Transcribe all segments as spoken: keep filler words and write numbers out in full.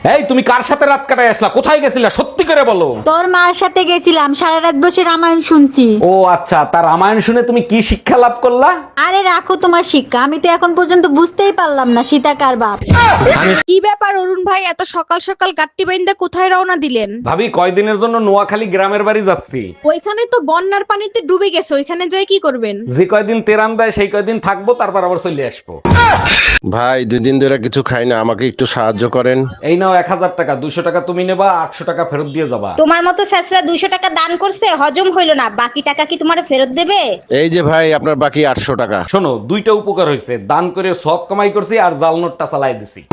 এই তুমি কার সাথে রাত কাটায় আসলা? কোথায় গেছিলা সত্যি করে বলো। তোর মার সাথে গেছিলাম, সারা রাত বসে রামায়ণ শুনছি। ও আচ্ছা, তার রামায়ণ শুনে তুমি কি শিক্ষা লাভ করলা? আরে রাখো তোমার শিক্ষা, আমি তো এখন পর্যন্ত বুঝতেই পারলাম না সীতা কার বাপ। কি ব্যাপার অরুণ ভাই, এত সকাল সকাল গাট্টি বাইন্দা কোথায় রওনা দিলেন? ভাবি কয়দিনের জন্য নোয়াখালী গ্রামের বাড়ি যাচ্ছি। ওইখানে তো বন্যার পানিতে ডুবে গেছে, ওইখানে যাই কি করবেন? যে কয়দিন তেরান দেয় সেই কয়দিন থাকবো, তারপর আবার চলে আসবো। ভাই দুই দিন ধরে কিছু খাই না, আমাকে একটু সাহায্য করেন। এই নাও এক হাজার টাকা, দুশো টাকা তুমি নেবা, আটশো টাকা ফেরত দিয়ে যাবা। তোমার মতো স্যাসরা দুইশো টাকা দান করছে, হজম হইলো না, বাকি টাকা কি তোমার ফেরত দেবে? এই যে ভাই আপনার বাকি আটশো টাকা। শোনো, দুইটা উপকার হয়েছে, দান করে সব কামাই করছি আর জাল নোটটা চালাই দিছি।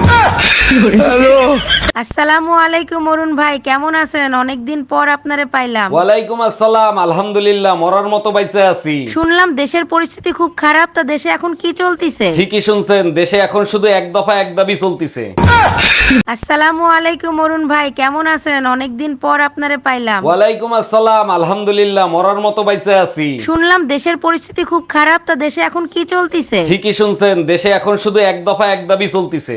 আসসালামু আলাইকুম অরুণ ভাই, কেমন আছেন? অনেকদিন পর আপনারে পাইলাম। ওয়ালাইকুম আসসালাম, আলহামদুলিল্লাহ মরার মতো বাইসে আছি। শুনলাম দেশের পরিস্থিতি খুব খারাপ, তা দেশে এখন কি চলতিছে? ঠিকই শুনছেন, দেশে এখন শুধু এক দফা এক দাবি চলতিছে। আসসালামু আলাইকুম অরুণ ভাই, কেমন আছেন? অনেকদিন পর আপনারে পাইলাম। ওয়ালাইকুম আসসালাম, আলহামদুলিল্লাহ মরার মতো বাইসে আছি। শুনলাম দেশের পরিস্থিতি খুব খারাপ, তা দেশে এখন কি চলতিছে? ঠিকই শুনছেন, দেশে এখন শুধু এক দফা এক দাবি চলতিছে।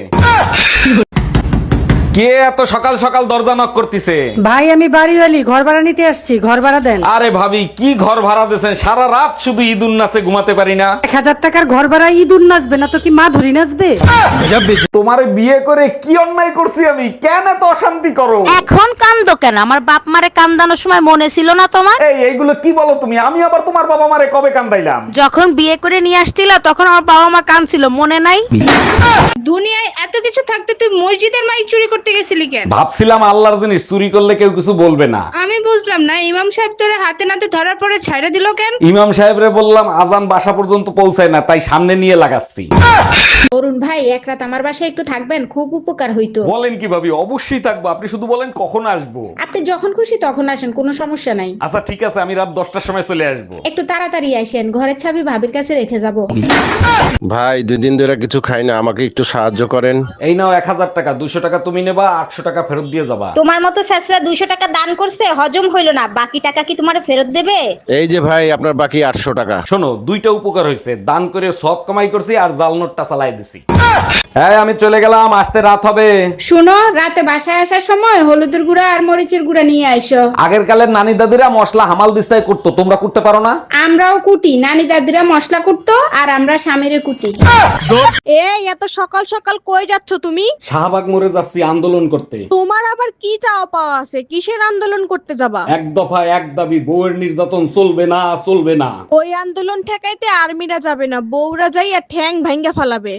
কে এত সকাল সকাল দরজা নক করতেছে? ভাই আমি বাড়িওয়ালি, ঘর ভাড়া নিতে আসছি, ঘর ভাড়া দেন। আরে ভাবি কি ঘর ভাড়া দিয়েছেন? সারা রাত শুধু ঈদ উন্নাসে ঘুমাতে পারি না। এক হাজার টাকার ঘর ভাড়া ইঁদুর নাচবে না তো কি মা ধরি নাচবে? তোমারে বিয়ে করে কি অন্যায় করছি আমি? কেন এত অশান্তি করো? এখন কান্দো কেন? আমার বাপ মারে কান্দানোর সময় মনে ছিল না তোমার? এই এইগুলো কি বলো তুমি? আমি আবার তোমার বাবা মারে কবে কান্দাইলাম? যখন বিয়ে করে নিয়ে আসছিল তখন আমার বাবা মা কাঁদছিল, মনে নাই? দুনিয়ায় এত কিছু থাকতে তুই মসজিদের মাইক চুরি করতে গেছিলি কেন? ভাবছিলাম আল্লাহর জিনিস চুরি করলে কেউ কিছু বলবে না। আমি বুঝলাম না, ইমাম সাহেব তোরে হাতে নাতে ধরার পরে ছাইড়া দিল কেন? ইমাম সাহেবরে বললাম আজান বাসা পর্যন্ত পৌঁছায় না, তাই সামনে নিয়ে লাগাচ্ছি। অরুণ ভাই, এক রাত আমার বাসায় একটু থাকবেন, খুব উপকার হইতো। বলেন কি ভাবি? অবশ্যই থাকবো, আপনি শুধু বলেন কখন আসবো। আপনি যখন খুশি তখন আসেন, কোনো সমস্যা নাই। আচ্ছা ঠিক আছে, আমি রাত দশটার সময় চলে আসবো। একটু তাড়াতাড়ি আসেন, ঘরের চাবি ভাবির কাছে রেখে যাব। ভাই দুই দিন ধরে কিছু খাই না, আমাকে একটু সাহায্য করেন। এই নাও এক হাজার টাকা, দুশো টাকা তুমি নেবা, আটশো টাকা ফেরত দিয়ে যাবা। তোমার মতো স্যাসরা দুইশো টাকা দান করছে, হজম হইলো না, বাকি টাকা কি তোমার ফেরত দেবে? এই যে ভাই আপনার বাকি আটশো টাকা। শোনো, দুইটা উপকার হয়েছে, দান করে সব কামাই করছি আর জাল নোটটা চালাই দিছি। হ্যাঁ আমি চলে গেলাম, আসতে রাত হবে। শুনো, রাতে বাসায় আসার সময় হলুদের গুঁড়া আর মরিচের গুঁড়া নিয়ে আইসো। আগের কালের নানি দাদিরা মশলা হামাল দিস্তায় করতো, তোমরা করতে পারো না? আমরাও কুটি, নানি দাদিরা মশলা কুটতো আর আমরা স্বামীরে কুটি। এই এত সকাল সকাল কই যাচ্ছ তুমি? শাহবাগ মোড়ে যাচ্ছি আন্দোলন করতে। তোমার আবার কি চাওয়া পাওয়া আছে? কিসের আন্দোলন করতে যাবা? এক দফা এক দাবি, বউয়ের নির্যাতন চলবে না, চলবে না। ওই আন্দোলন ঠেকাইতে আর্মিরা যাবে না, বউরা যাই আর ঠ্যাং ভাঙ্গা ফালাবে।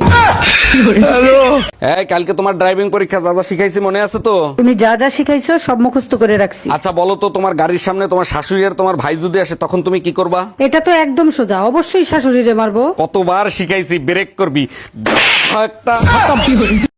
এই কালকে তোমার ড্রাইভিং পরীক্ষা, যা যা শিখাইছি মনে আছে তো? তুমি যা যা শিখাইছো সব মুখস্থ করে রাখছি। আচ্ছা বলো তো, তোমার গাড়ির সামনে তোমার শাশুড়ি আর তোমার ভাই যদি আসে তখন তুমি কি করবা? এটা তো একদম সোজা, অবশ্যই শাশুড়িরে মারবো। কতবার শিখাইছি ব্রেক করবি একটা।